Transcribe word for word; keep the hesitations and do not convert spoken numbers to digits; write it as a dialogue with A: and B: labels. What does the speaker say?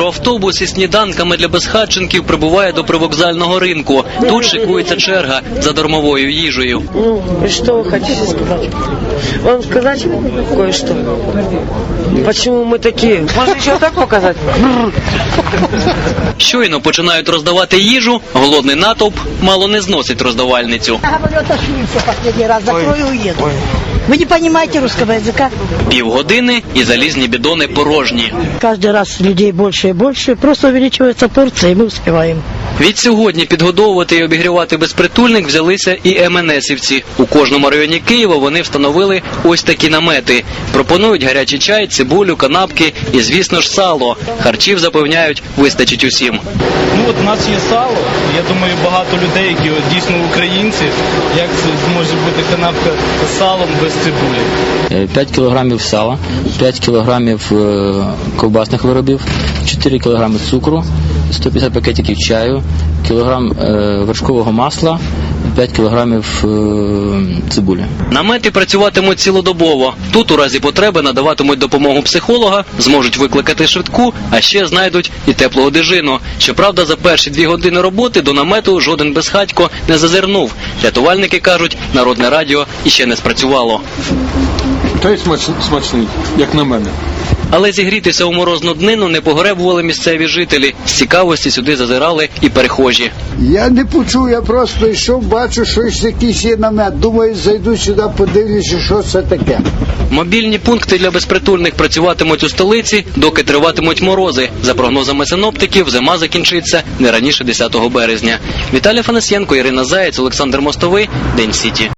A: Мікроавтобус із сніданками для безхатченків прибуває до привокзального ринку. Тут шикується черга за дармовою їжею.
B: Ну, и что вы хотите сказать? Вам сказать кое-что? Почему мы такие? Можно еще так показать?
A: Щойно починають роздавати їжу, голодний натовп мало не зносить роздавальницю.
C: Я говорю, отошли все последний раз, закрою и уеду. Вы не понимаете русского языка?
A: Півгодини і залізні бідони порожні.
C: Каждый раз людей больше и больше, просто увеличивается порция, и мы успеваем.
A: Від сьогодні підгодовувати і обігрівати безпритульних взялися і ем ен есівці. У кожному районі Києва вони встановили ось такі намети. Пропонують гарячий чай, цибулю, канапки і, звісно ж, сало. Харчів, запевняють, вистачить усім.
D: Ну от у нас є сало, я думаю, багато людей, які от, дійсно українці, як це зможе бути канапка з салом без цибулі.
E: п'ять кілограмів сала, п'ять кілограмів ковбасних виробів, чотири кілограми цукру, сто п'ятдесят пакетиків чаю, кілограм вершкового масла, п'ять кілограмів цибулі.
A: Намети працюватимуть цілодобово. Тут у разі потреби надаватимуть допомогу психолога, зможуть викликати швидку, а ще знайдуть і теплу одежину. Щоправда, за перші дві години роботи до намету жоден безхатько не зазирнув. Рятувальники кажуть, народне радіо іще не спрацювало.
F: Та й смачний, як на мене.
A: Але зігрітися у морозну днину не погребували місцеві жителі. З цікавості сюди зазирали і перехожі.
G: Я не почув, я просто йшов, бачу, що якийсь є намет. Думаю, зайду сюди, подивлюся, що це таке.
A: Мобільні пункти для безпритульних працюватимуть у столиці, доки триватимуть морози. За прогнозами синоптиків, зима закінчиться не раніше десятого березня. Віталій Фанасьєнко, Ірина Заєць, Олександр Мостовий. День Сіті.